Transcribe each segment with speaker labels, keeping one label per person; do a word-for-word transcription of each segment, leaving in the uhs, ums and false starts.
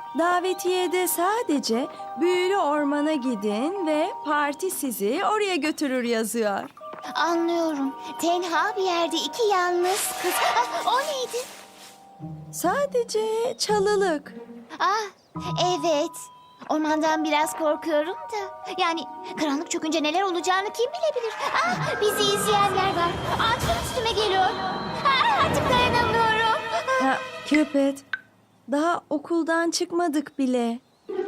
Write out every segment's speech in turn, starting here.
Speaker 1: Davetiyede sadece büyülü ormana gidin ve parti sizi oraya götürür yazıyor.
Speaker 2: Anlıyorum. Tenha bir yerde iki yalnız kız. Ah, o neydi?
Speaker 1: Sadece çalılık.
Speaker 2: Ah, evet. Ormandan biraz korkuyorum da. Yani karanlık çökünce neler olacağını kim bilebilir? Ah, bizi izleyenler var. Ağaçlar üstüme geliyor. Ah, artık dayanamıyorum.
Speaker 1: Ha, Cupid, daha okuldan çıkmadık bile.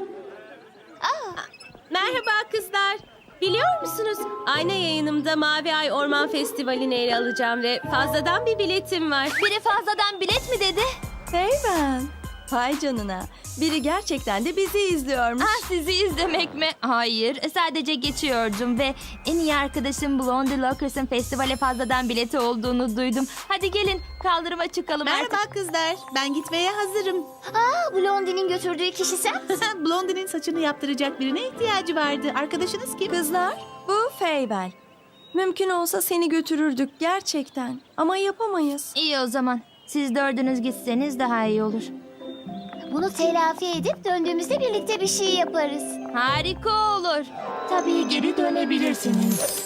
Speaker 3: Merhaba kızlar. Biliyor musunuz? Ayna yayınımda Mavi Ay Orman Festivali'ne ele alacağım ve fazladan bir biletim var.
Speaker 2: Biri fazladan bilet mi dedi?
Speaker 1: Hey ben. Vay canına. Biri gerçekten de bizi izliyormuş.
Speaker 4: Ah, sizi izlemek mi? Hayır, sadece geçiyordum ve en iyi arkadaşım Blondie Lockers'ın festivale fazladan bileti olduğunu duydum. Hadi gelin kaldırıma çıkalım artık.
Speaker 5: Merhaba kızlar. Ben gitmeye hazırım.
Speaker 2: Aa, Blondie'nin götürdüğü kişi sen misin?
Speaker 5: Blondie'nin saçını yaptıracak birine ihtiyacı vardı. Arkadaşınız kim?
Speaker 1: Kızlar, bu Feybel. Mümkün olsa seni götürürdük gerçekten. Ama yapamayız.
Speaker 4: İyi o zaman. Siz dördünüz gitseniz daha iyi olur.
Speaker 2: Bunu telafi edip döndüğümüzde birlikte bir şey yaparız.
Speaker 4: Harika olur.
Speaker 2: Tabii geri dönebilirsiniz.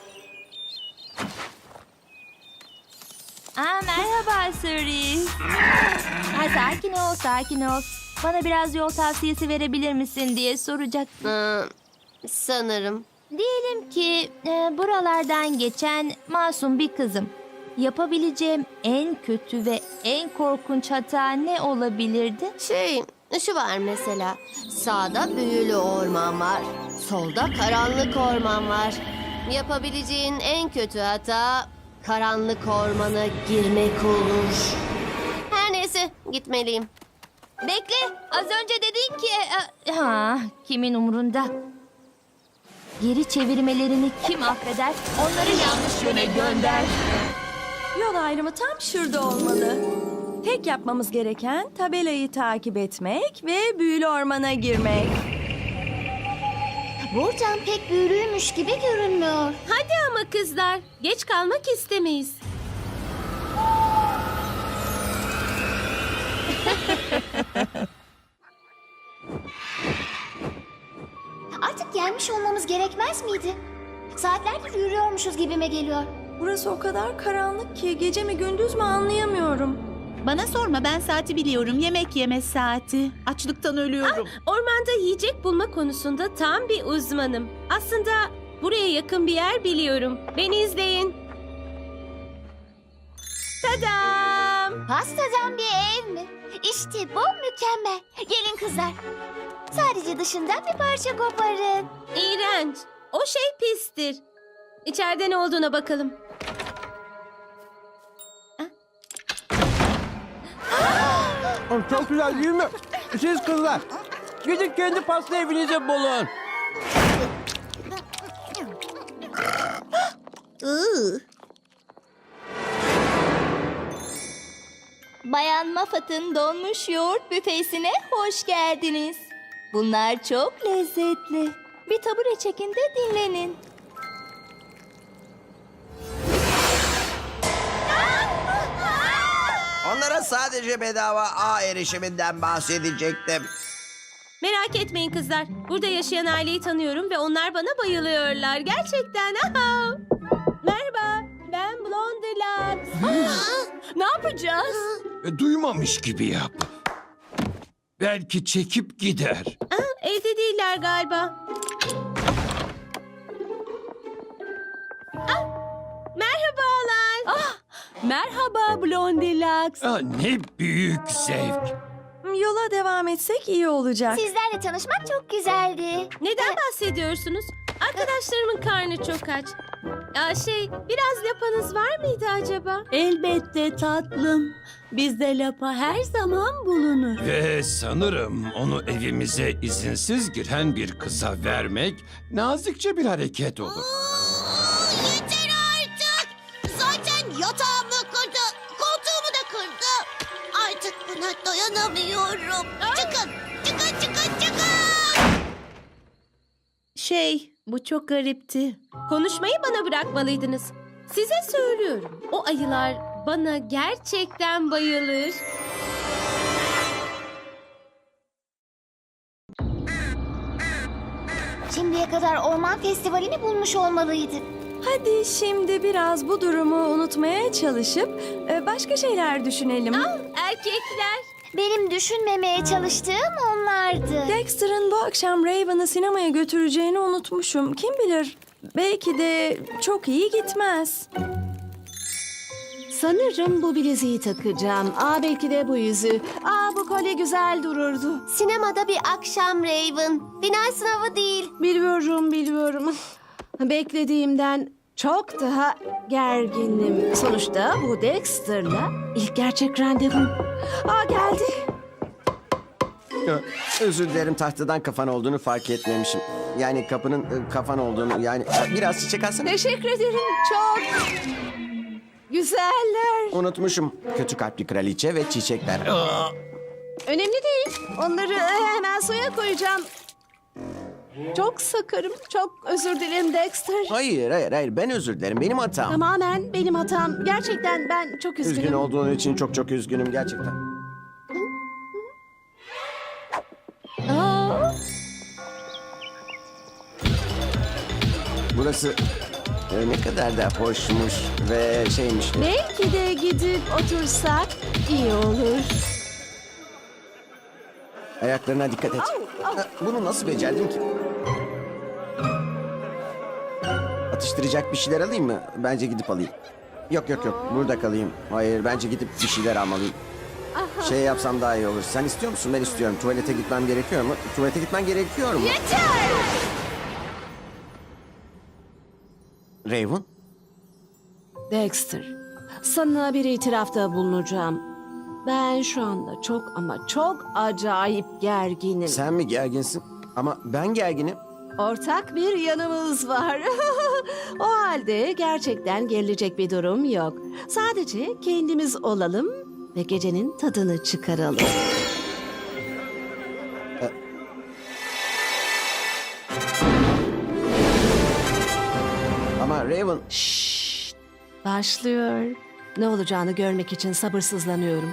Speaker 4: Aa, merhaba Suri. Ha, sakin ol, sakin ol. Bana biraz yol tavsiyesi verebilir misin diye soracak.
Speaker 3: Ee, sanırım.
Speaker 4: Diyelim ki e, buralardan geçen masum bir kızım. Yapabileceğim en kötü ve en korkunç hata ne olabilirdi?
Speaker 6: Şey, şu var mesela. Sağda büyülü orman var. Solda karanlık orman var. Yapabileceğin en kötü hata karanlık ormana girmek olur. Her neyse, gitmeliyim.
Speaker 4: Bekle, az önce dedin ki... e, ha, kimin umurunda? Geri çevirmelerini kim affeder? Onları yanlış yöne gönder.
Speaker 1: Yol ayrımı tam şurada olmalı. Tek yapmamız gereken tabelayı takip etmek ve büyülü ormana girmek.
Speaker 2: Buradan pek büyülüymüş gibi görünmüyor.
Speaker 3: Hadi ama kızlar. Geç kalmak istemeyiz.
Speaker 2: Artık gelmiş olmamız gerekmez miydi? Saatlerdir yürüyormuşuz gibime geliyor.
Speaker 1: Burası o kadar karanlık ki gece mi gündüz mü anlayamıyorum.
Speaker 5: Bana sorma, ben saati biliyorum. Yemek yeme saati. Açlıktan ölüyorum.
Speaker 3: Ormanda yiyecek bulma konusunda tam bir uzmanım. Aslında buraya yakın bir yer biliyorum. Beni izleyin. Tadam!
Speaker 2: Pastadan bir ev mi? İşte bu mükemmel. Gelin kızlar. Sadece dışından bir parça koparın.
Speaker 3: İğrenç. O şey pistir. İçeride ne olduğuna bakalım.
Speaker 7: Çok güzel değil mi? Siz kızlar, gidin kendi pasta evinize bulun.
Speaker 4: Bayan Maffat'ın donmuş yoğurt büfesine hoş geldiniz. Bunlar çok lezzetli. Bir tabure çekin de dinlenin.
Speaker 8: Onlara sadece bedava ağ erişiminden bahsedecektim.
Speaker 3: Merak etmeyin kızlar. Burada yaşayan aileyi tanıyorum ve onlar bana bayılıyorlar. Gerçekten. Aha. Merhaba. Ben Blondie Lux. Ne yapacağız?
Speaker 9: E, Duymamış gibi yap. Belki çekip gider.
Speaker 3: Aa, evde değiller galiba. Ah, merhabalar.
Speaker 4: Ah, merhaba Blondie Lux.
Speaker 9: Ah, ne büyük zevk.
Speaker 1: Yola devam etsek iyi olacak.
Speaker 2: Sizlerle tanışmak çok güzeldi.
Speaker 3: Neden bahsediyorsunuz? Arkadaşlarımın karnı çok aç. Ya şey, biraz lapanız var mıydı acaba?
Speaker 5: Elbette tatlım. Bizde lapa her zaman bulunur.
Speaker 9: Ve sanırım onu evimize izinsiz giren bir kıza vermek nazikçe bir hareket olur.
Speaker 6: Yeter artık! Zaten yatağımı kırdı, koltuğumu da kırdı. Artık buna dayanamıyorum. Çıkın, çıkın, çıkın, çıkın!
Speaker 5: Şey, bu çok garipti.
Speaker 3: Konuşmayı bana bırakmalıydınız. Size söylüyorum. O ayılar bana gerçekten bayılır.
Speaker 2: Şimdiye kadar orman festivalini bulmuş olmalıydık.
Speaker 1: Hadi şimdi biraz bu durumu unutmaya çalışıp e, başka şeyler düşünelim.
Speaker 3: Erkekler.
Speaker 2: Benim düşünmemeye çalıştığım onlardı.
Speaker 1: Dexter'ın bu akşam Raven'ı sinemaya götüreceğini unutmuşum. Kim bilir? Belki de çok iyi gitmez.
Speaker 10: Sanırım bu bileziği takacağım. Aa belki de bu yüzüğü. Aa bu kolye güzel dururdu.
Speaker 6: Sinemada bir akşam Raven. Final sınavı değil.
Speaker 10: Biliyorum biliyorum. Beklediğimden çok daha gerginim. Sonuçta bu Dexter'la ilk gerçek randevum. Aa geldi.
Speaker 7: Özür dilerim, tahtadan kafan olduğunu fark etmemişim. Yani kapının e, kafan olduğunu, yani e, biraz çiçek alsana.
Speaker 10: Teşekkür ederim. Çok güzeller.
Speaker 7: Unutmuşum. Kötü kalpli kraliçe ve çiçekler.
Speaker 10: Önemli değil. Onları e, hemen suya koyacağım. Çok sakarım. Çok özür dilerim Dexter.
Speaker 7: Hayır, hayır, hayır. Ben özür dilerim. Benim hatam.
Speaker 10: Tamamen benim hatam. Gerçekten ben çok üzgünüm.
Speaker 7: Üzgün olduğun için çok çok üzgünüm gerçekten.
Speaker 10: Aa,
Speaker 7: Burası e, ne kadar da hoşmuş ve şeymiş.
Speaker 10: belki de gidip otursak iyi olur.
Speaker 7: Ayaklarına dikkat et. Ha, Bunu nasıl becerdin ki? Atıştıracak bir şeyler alayım mı? Bence gidip alayım. Yok yok yok, burada kalayım. Hayır, bence gidip bir şeyler almalıyım. Şey yapsam daha iyi olur. Sen istiyor musun? Ben istiyorum. Tuvalete gitmem gerekiyor mu? Tuvalete gitmen gerekiyor mu? Yeter! Raven?
Speaker 10: Dexter, sana bir itirafta bulunacağım. Ben şu anda çok ama çok acayip gerginim.
Speaker 7: Sen mi gerginsin? Ama ben gerginim.
Speaker 10: Ortak bir yanımız var. O halde gerçekten gerilecek bir durum yok. Sadece kendimiz olalım ve gecenin tadını çıkaralım.
Speaker 7: Ama Raven...
Speaker 10: Şşş, başlıyor. Ne olacağını görmek için sabırsızlanıyorum.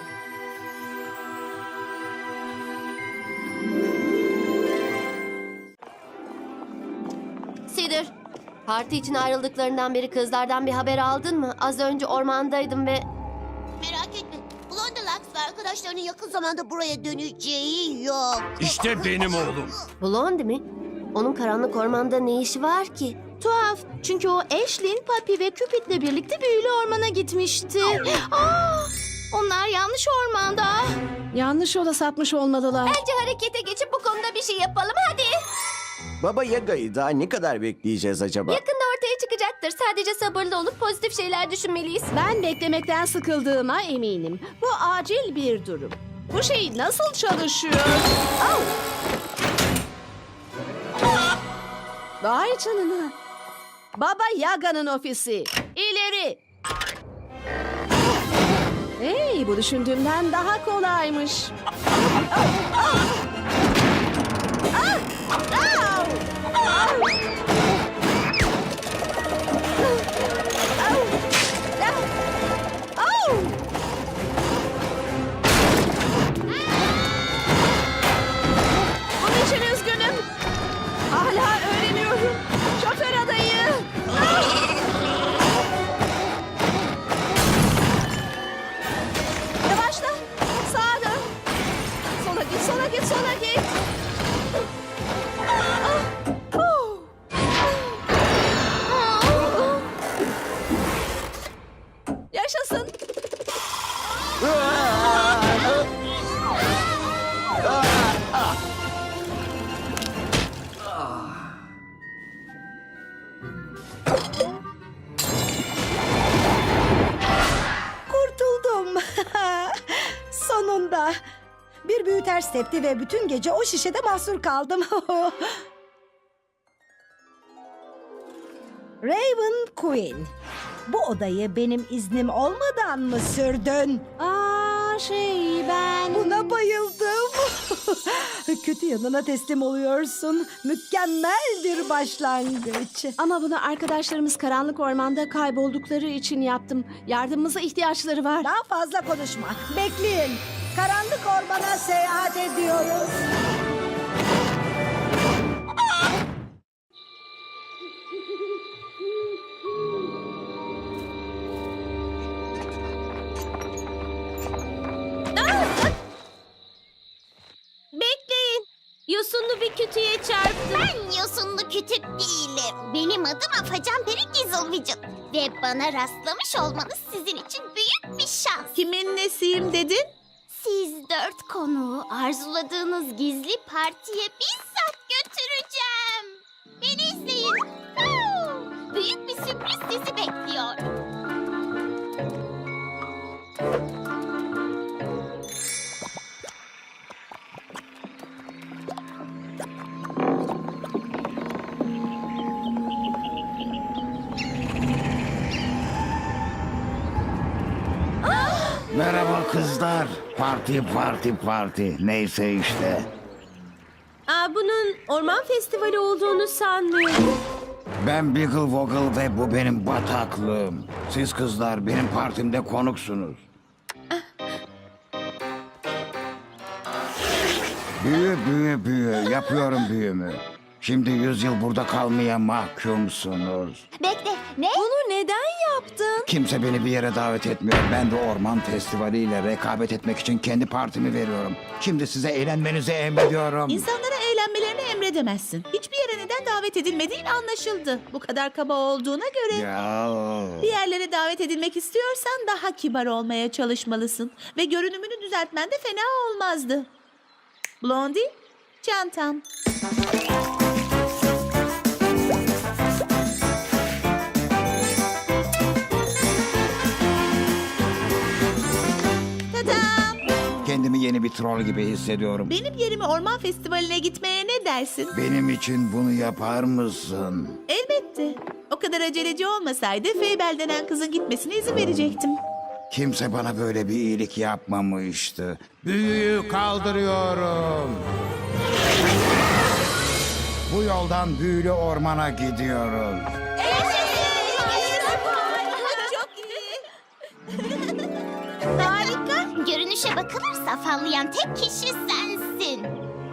Speaker 6: Cedar, parti için ayrıldıklarından beri kızlardan bir haber aldın mı? Az önce ormandaydım ve...
Speaker 2: Merak etme. Blondelax ve arkadaşlarının yakın zamanda buraya döneceği yok.
Speaker 9: İşte benim oğlum.
Speaker 6: Blondie mi? Onun karanlık ormanda ne işi var ki?
Speaker 2: Tuhaf. Çünkü o Ashlyn, Papi ve Cupid'le birlikte büyülü ormana gitmişti. Aa, onlar yanlış ormanda.
Speaker 10: Yanlış yola sapmış olmalılar.
Speaker 2: Bence harekete geçip bu konuda bir şey yapalım hadi.
Speaker 7: Baba Yaga'yı daha ne kadar bekleyeceğiz acaba?
Speaker 6: Yakında ortaya çıkacaktır. Sadece sabırlı olup pozitif şeyler düşünmeliyiz.
Speaker 10: Ben beklemekten sıkıldığıma eminim. Bu acil bir durum. Bu şey nasıl çalışıyor? Au! Vay canına. Baba Yaga'nın ofisi. İleri. Hey, bu düşündüğümden daha kolaymış. Bunun için üzgünüm. Hala öğreniyorum. Şoför adayı. Yavaşla. Sağa dön. Sola git, sola git, sola git. Yaşasın.
Speaker 11: Kurtuldum. Sonunda. Bir büyü ters tepti ve bütün gece o şişede mahsur kaldım. Raven Queen. Bu odayı benim iznim olmadan mı sürdün?
Speaker 10: Aa şey ben...
Speaker 11: Buna bayıldım. Kötü yanına teslim oluyorsun. Mükemmel bir başlangıç.
Speaker 10: Ama bunu arkadaşlarımız karanlık ormanda kayboldukları için yaptım. Yardımımıza ihtiyaçları var.
Speaker 11: Daha fazla konuşma. Bekleyin. Karanlık ormana seyahat ediyoruz.
Speaker 3: yosunlu bir kütüye çarptım.
Speaker 2: Ben yosunlu kütük değilim. Benim adım Afacan Peri Gizlvicin. Ve bana rastlamış olmanız sizin için büyük bir şans.
Speaker 5: Kimin nesiyim dedin?
Speaker 2: Siz dört konuğu arzuladığınız gizli partiye bizzat götüreceğim. Beni izleyin. Huu! Büyük bir sürpriz sizi bekliyor.
Speaker 12: Merhaba kızlar. Parti parti parti. Neyse işte.
Speaker 3: Aa, bunun orman festivali olduğunu sanmıyorum.
Speaker 12: Ben Biggle Woggle ve bu benim bataklığım. Siz kızlar benim partimde konuksunuz. Büyü büyü büyü. Yapıyorum büyümü. Şimdi yüz yıl burada kalmaya mahkumsunuz.
Speaker 2: Bekle, ne?
Speaker 1: Bunu neden yaptın?
Speaker 12: Kimse beni bir yere davet etmiyor. Ben de orman festivaliyle rekabet etmek için kendi partimi veriyorum. Şimdi size eğlenmenizi emrediyorum.
Speaker 5: İnsanlara eğlenmelerini emredemezsin. Hiçbir yere neden davet edilmediğin anlaşıldı. Bu kadar kaba olduğuna göre
Speaker 12: Ya.
Speaker 5: bir yerlere davet edilmek istiyorsan daha kibar olmaya çalışmalısın. Ve görünümünü düzeltmen de fena olmazdı. Blondie, çantam. Tadam!
Speaker 12: Kendimi yeni bir troll gibi hissediyorum.
Speaker 5: Benim yerime orman festivaline gitmeye ne dersin?
Speaker 12: Benim için bunu yapar mısın?
Speaker 5: Elbette. O kadar aceleci olmasaydı Feybel denen kızın gitmesine izin verecektim.
Speaker 12: Kimse bana böyle bir iyilik yapmamıştı. Büyüyü kaldırıyorum. Bu yoldan büyülü ormana gidiyoruz.
Speaker 5: Çok iyi.
Speaker 2: Harika. Görünüşe bakılırsa afallayan tek kişi sensin.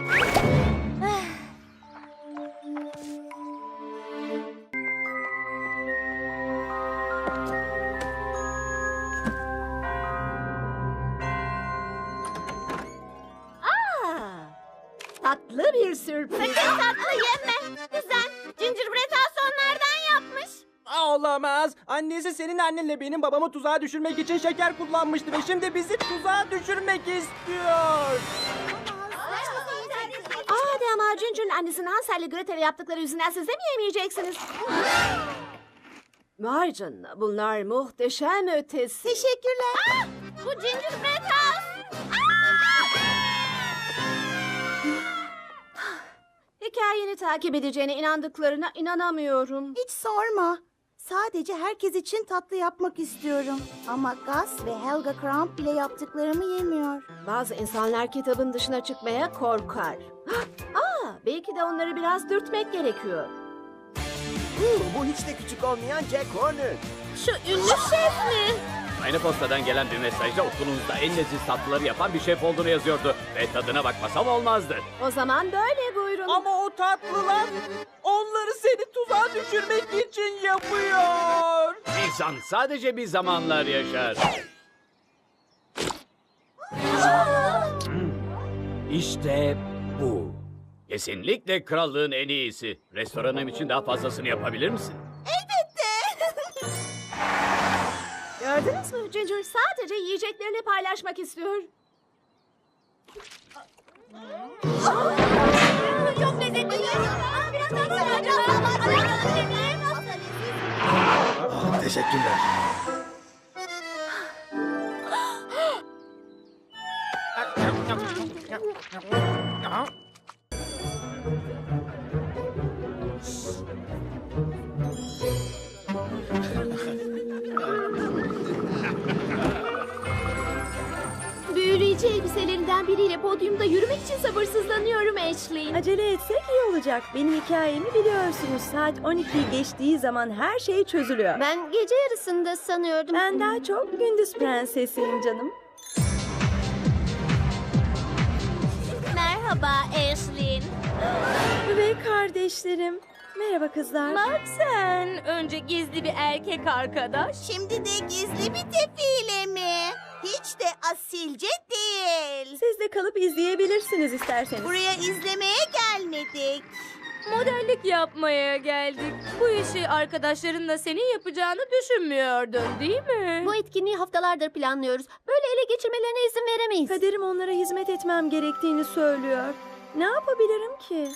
Speaker 11: Tatlı bir sürpriz.
Speaker 2: Sakın tatlı yeme. Güzel. Gingerbread House onlardan yapmış.
Speaker 13: Olamaz. Annesi senin annenle benim babamı tuzağa düşürmek için şeker kullanmıştı ve şimdi bizi tuzağa düşürmek istiyor.
Speaker 10: Hadi ama Ginger'ın annesinin Hansel'le Gretel'e yaptıkları yüzünden siz de mi yemeyeceksiniz? Vay canına, bunlar muhteşem ötesi.
Speaker 2: Teşekkürler. Aa, bu Gingerbread House.
Speaker 10: Hikayeni takip edeceğine inandıklarına inanamıyorum.
Speaker 14: Hiç sorma. Sadece herkes için tatlı yapmak istiyorum. Ama Gus ve Helga Kramp bile yaptıklarımı yemiyor.
Speaker 10: Bazı insanlar kitabın dışına çıkmaya korkar. Aa, belki de onları biraz dürtmek gerekiyor.
Speaker 13: Bu hiç de küçük olmayan Jack Horner.
Speaker 3: Şu ünlü şef mi?
Speaker 15: Aynı postadan gelen bir mesajda okulunuzda en leziz tatlıları yapan bir şef olduğunu yazıyordu. Ve tadına bakmasam olmazdı.
Speaker 10: O zaman böyle buyurun.
Speaker 13: Ama o tatlılar onları seni tuzağa düşürmek için yapıyor.
Speaker 15: İnsan sadece bir zamanlar yaşar. İşte bu. Kesinlikle krallığın en iyisi. Restoranım için daha fazlasını yapabilir misin?
Speaker 10: Gördünüz mü? Ginger sadece yiyeceklerini paylaşmak istiyor.
Speaker 2: Çok lezzetli. Biraz daha
Speaker 12: Teşekkürler.
Speaker 10: Büyüleyici elbiselerinden biriyle podyumda yürümek için sabırsızlanıyorum Ashley.
Speaker 1: Acele etsek iyi olacak. Benim hikayemi biliyorsunuz. Saat on ikiyi geçtiği zaman her şey çözülüyor.
Speaker 6: Ben gece yarısında sanıyordum.
Speaker 1: Ben daha çok gündüz prensesiyim canım.
Speaker 2: Merhaba Ashley.
Speaker 1: Ve kardeşlerim. Merhaba kızlar.
Speaker 3: Bak sen. Önce gizli bir erkek arkadaş.
Speaker 14: Şimdi de gizli bir defile mi? Hiç de asilce değil.
Speaker 1: Siz de kalıp izleyebilirsiniz isterseniz.
Speaker 14: Buraya izlemeye gelmedik.
Speaker 3: Modellik yapmaya geldik. Bu işi arkadaşlarınla senin yapacağını düşünmüyordun değil mi?
Speaker 6: Bu etkinliği haftalardır planlıyoruz. Böyle ele geçirmelerine izin veremeyiz.
Speaker 1: Kaderim onlara hizmet etmem gerektiğini söylüyor. Ne yapabilirim ki?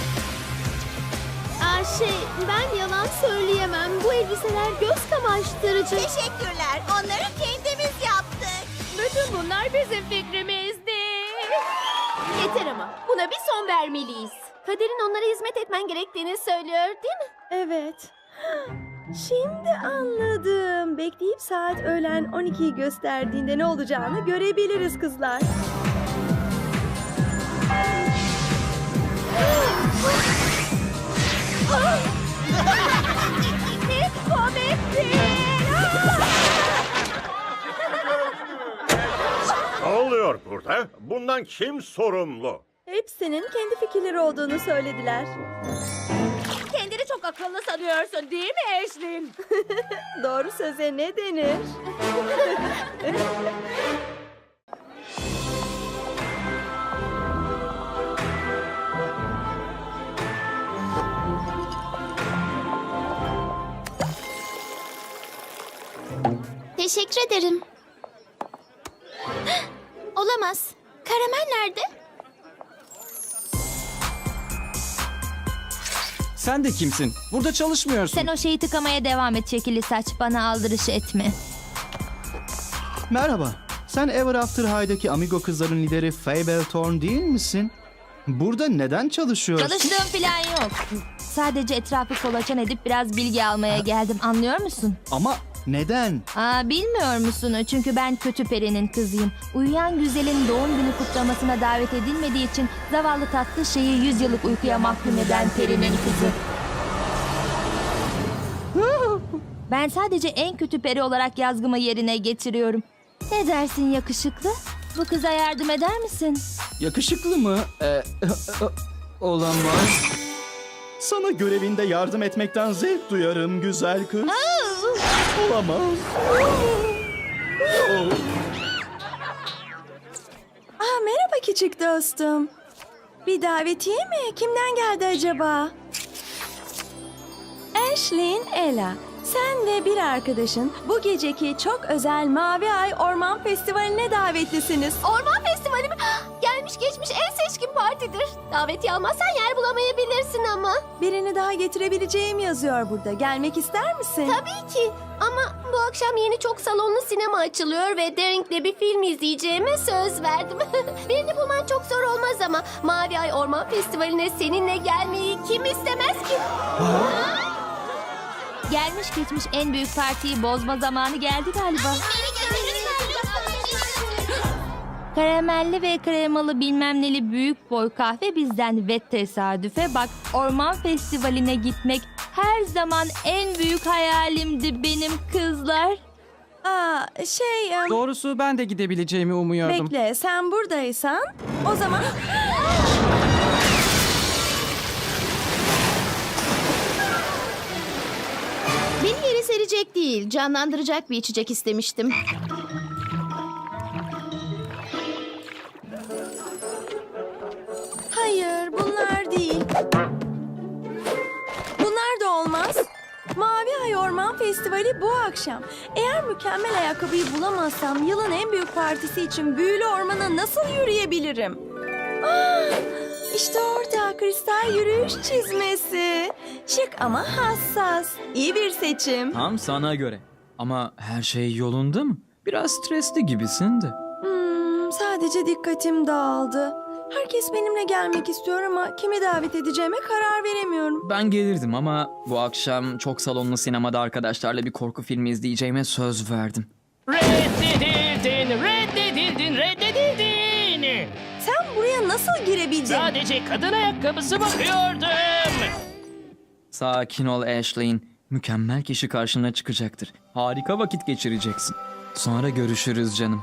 Speaker 6: Aa, şey, ben yalan söyleyemem. Bu elbiseler göz kamaştırıcı.
Speaker 14: Teşekkürler. Onları kendimiz yaptık.
Speaker 3: Bütün bunlar bizim fikrimizdi. Yeter ama. Buna bir son vermeliyiz.
Speaker 6: Kaderin onlara hizmet etmen gerektiğini söylüyor değil mi?
Speaker 1: Evet. Şimdi anladım. Bekleyip saat öğlen on ikiyi gösterdiğinde ne olacağını görebiliriz kızlar.
Speaker 16: Ne oluyor burada? Bundan kim sorumlu?
Speaker 1: Hepsinin kendi fikirleri olduğunu söylediler.
Speaker 3: Kendini çok akıllı sanıyorsun değil mi Ashlyn?
Speaker 1: Doğru söze ne denir?
Speaker 2: Teşekkür ederim. Olamaz. Karamel nerede?
Speaker 13: Sen de kimsin? Burada çalışmıyorsun.
Speaker 4: Sen o şeyi tıkamaya devam et şekilli saç. Bana aldırış etme.
Speaker 17: Merhaba. Sen Ever After High'daki Amigo kızların lideri Fable Thorn değil misin? Burada neden çalışıyorsun?
Speaker 4: Çalıştığım falan yok. Sadece etrafı kolaçan edip biraz bilgi almaya geldim. Anlıyor musun?
Speaker 17: Ama neden?
Speaker 4: Aa, bilmiyor musun? Çünkü ben kötü perinin kızıyım. Uyuyan güzelin doğum günü kutlamasına davet edilmediği için zavallı tatlı şeyi yüz yıllık uykuya mahkum eden perinin kızı. Ben sadece en kötü peri olarak yazgımı yerine getiriyorum. Ne dersin yakışıklı? Bu kıza yardım eder misin?
Speaker 17: Yakışıklı mı? Ee, olamaz. Sana görevinde yardım etmekten zevk duyarım güzel kız. Olamaz.
Speaker 1: Aa, merhaba küçük dostum. Bir davetiye mi? Kimden geldi acaba? Ashlyn, Ella. Sen ve bir arkadaşın bu geceki çok özel Mavi Ay Orman Festivali'ne davetlisiniz.
Speaker 6: Orman Festivali mi? Gelmiş geçmiş en seçkin partidir. Davetiye almazsan yer bulamayabilirsin ama.
Speaker 1: Birini daha getirebileceğim yazıyor burada. Gelmek ister misin?
Speaker 6: Tabii ki. Ama bu akşam yeni çok salonlu sinema açılıyor ve Daring'le bir film izleyeceğime söz verdim. Birini bulman çok zor olmaz ama Mavi Ay Orman Festivali'ne seninle gelmeyi kim istemez ki?
Speaker 4: Gelmiş geçmiş en büyük partiyi bozma zamanı geldi galiba. Karamelli ve kremalı bilmem neli büyük boy kahve bizden ve tesadüfe bak, orman festivaline gitmek her zaman en büyük hayalimdi benim kızlar.
Speaker 1: Aa, şey... em,
Speaker 13: Doğrusu ben de gidebileceğimi umuyordum.
Speaker 1: Bekle, sen buradaysan o zaman...
Speaker 5: Beni yere serecek değil, canlandıracak bir içecek istemiştim.
Speaker 1: Hayır, bunlar değil. Bunlar da olmaz. Mavi Ay Orman Festivali bu akşam. Eğer mükemmel ayakkabıyı bulamazsam yılın en büyük partisi için büyülü ormana nasıl yürüyebilirim? Aa, işte orada kristal yürüyüş çizmesi. Şık ama hassas. İyi bir seçim.
Speaker 18: Tam sana göre. Ama her şey yolunda mı? Biraz stresli gibisin de.
Speaker 1: Hmm, sadece dikkatim dağıldı. Herkes benimle gelmek istiyor ama kimi davet edeceğime karar veremiyorum.
Speaker 18: Ben gelirdim ama bu akşam çok salonlu sinemada arkadaşlarla bir korku filmi izleyeceğime söz verdim.
Speaker 19: Reddedildin, reddedildin, reddedildin.
Speaker 1: Sen buraya nasıl girebildin?
Speaker 19: Sadece kadın ayakkabısı bakıyordum.
Speaker 18: Sakin ol Ashlyn. Mükemmel kişi karşına çıkacaktır. Harika vakit geçireceksin. Sonra görüşürüz canım.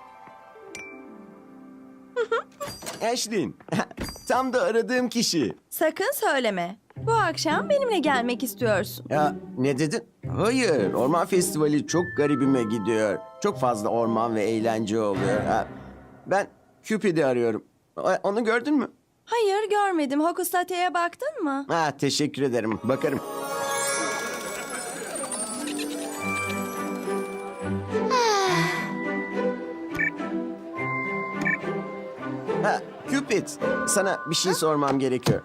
Speaker 7: Ashlyn, tam da aradığım kişi.
Speaker 1: Sakın söyleme. Bu akşam benimle gelmek istiyorsun.
Speaker 7: Ya ne dedin? Hayır, orman festivali çok garibime gidiyor. Çok fazla orman ve eğlence oluyor. Ha, ben Cupid'i arıyorum. O- Onu gördün mü?
Speaker 1: Hayır görmedim. Hokus Tate'ye baktın mı?
Speaker 7: Ha, teşekkür ederim. Bakarım. Ha, Cupid, sana bir şey sormam gerekiyor.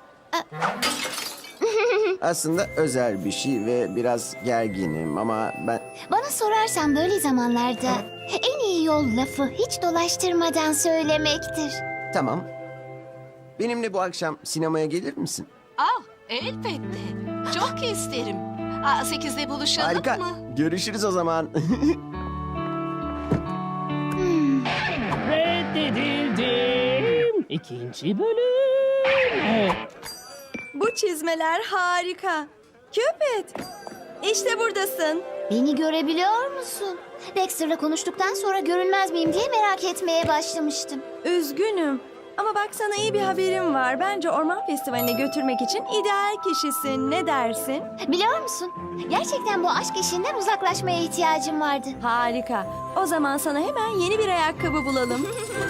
Speaker 7: Aslında özel bir şey ve biraz gerginim ama ben...
Speaker 2: Bana sorarsan böyle zamanlarda en iyi yol lafı hiç dolaştırmadan söylemektir.
Speaker 7: Tamam. Benimle bu akşam sinemaya gelir misin?
Speaker 10: Ah, elbette. Çok isterim. Aa, sekizde buluşalım
Speaker 7: Harika.
Speaker 10: mı?
Speaker 7: Görüşürüz o zaman.
Speaker 19: Reddedildim. İkinci bölüm.
Speaker 1: Bu çizmeler harika. Cupid, işte buradasın.
Speaker 2: Beni görebiliyor musun? Dexter'la konuştuktan sonra görünmez miyim diye merak etmeye başlamıştım.
Speaker 1: Üzgünüm. Ama bak sana iyi bir haberim var. Bence orman festivaline götürmek için ideal kişisin. Ne dersin?
Speaker 2: Biliyor musun? Gerçekten bu aşk işinden uzaklaşmaya ihtiyacım vardı.
Speaker 1: Harika. O zaman sana hemen yeni bir ayakkabı bulalım.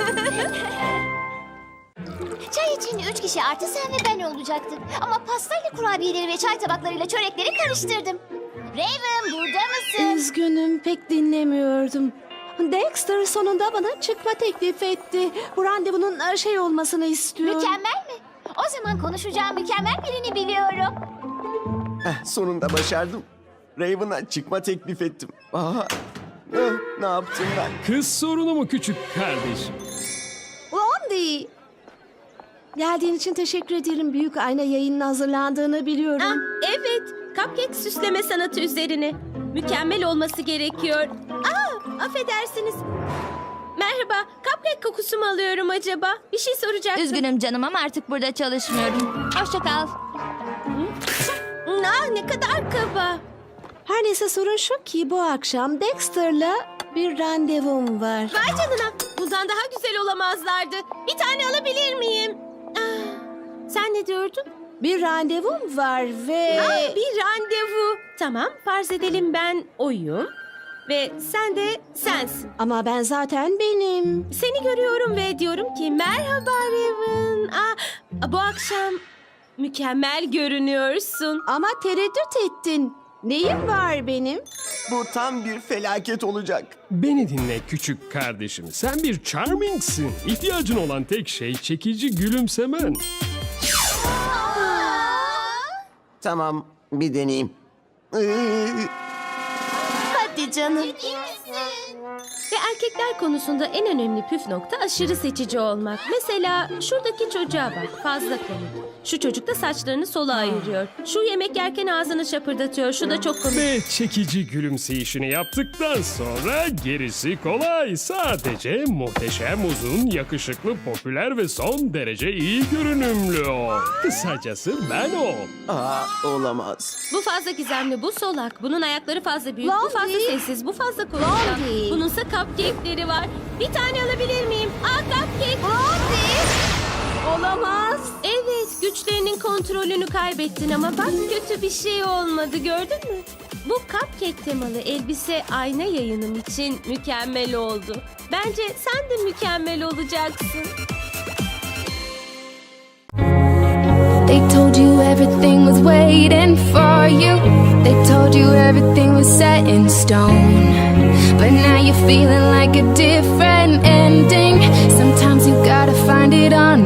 Speaker 2: Çay için üç kişi artı sen ve ben olacaktık. Ama pastayla kurabiyeleri ve çay tabaklarıyla çörekleri karıştırdım. Raven burada mısın?
Speaker 10: Üzgünüm, pek dinlemiyordum. Dexter sonunda bana çıkma teklif etti. Bu randevunun e, şey olmasını istiyorum.
Speaker 2: Mükemmel mi? O zaman konuşacağım mükemmel birini biliyorum.
Speaker 7: Heh, sonunda başardım. Raven'a çıkma teklif ettim. Aha. Eh, ne yaptım ben?
Speaker 20: Kız sorunu mu küçük kardeşim?
Speaker 10: Blondie. Geldiğin için teşekkür ederim. Büyük ayna yayının hazırlandığını biliyorum.
Speaker 3: Ah, evet, cupcake süsleme sanatı üzerine. Mükemmel olması gerekiyor. Aa, affedersiniz. Merhaba, cupcake kokusu mu alıyorum acaba? Bir şey soracaktım.
Speaker 4: Üzgünüm canım ama artık burada çalışmıyorum. Hoşça kal.
Speaker 3: Ah, ne kadar kaba.
Speaker 10: Her neyse sorun şu ki bu akşam Dexter'la bir randevum var.
Speaker 3: Vay canına, bundan daha güzel olamazlardı. Bir tane alabilir miyim? Ah, sen ne diyordun?
Speaker 10: Bir randevum var ve...
Speaker 3: Ah, bir randevu. Tamam, farz edelim ben oyum ve sen de sensin.
Speaker 10: Ama ben zaten benim.
Speaker 3: Seni görüyorum ve diyorum ki merhaba Raven. Ah, bu akşam mükemmel görünüyorsun.
Speaker 10: Ama tereddüt ettin. Neyim var benim?
Speaker 7: Bu tam bir felaket olacak.
Speaker 20: Beni dinle küçük kardeşim. Sen bir charmingsin. İhtiyacın olan tek şey çekici gülümsemen.
Speaker 7: Tamam, bir deneyeyim.
Speaker 3: Hadi canım. Ve erkekler konusunda en önemli püf nokta aşırı seçici olmak. Mesela şuradaki çocuğa bak, fazla komik. Şu çocuk da saçlarını sola ayırıyor. Şu yemek yerken ağzını şapırdatıyor, şu da çok komik.
Speaker 20: Ve çekici gülümseyişini yaptıktan sonra gerisi kolay. Sadece muhteşem, uzun, yakışıklı, popüler ve son derece iyi görünümlü o. Kısacası ben o.
Speaker 7: Aa, olamaz.
Speaker 3: Bu fazla gizemli, bu solak. Bunun ayakları fazla büyük, bu
Speaker 10: Blondie.
Speaker 3: fazla sessiz, bu fazla konuşkan.
Speaker 10: Blondie.
Speaker 3: Bununsa cupcake'leri var. Bir tane alabilir miyim? Aa, cupcake.
Speaker 10: Olamaz.
Speaker 3: Evet, güçlerinin kontrolünü kaybettin ama bak kötü bir şey olmadı, gördün mü? Bu cupcake temalı elbise ayna yayınım için mükemmel oldu. Bence sen de mükemmel olacaksın.
Speaker 21: They told you everything was waiting for you. They told you everything was set in stone. But now you're feeling like a different ending. Sometimes you gotta find it on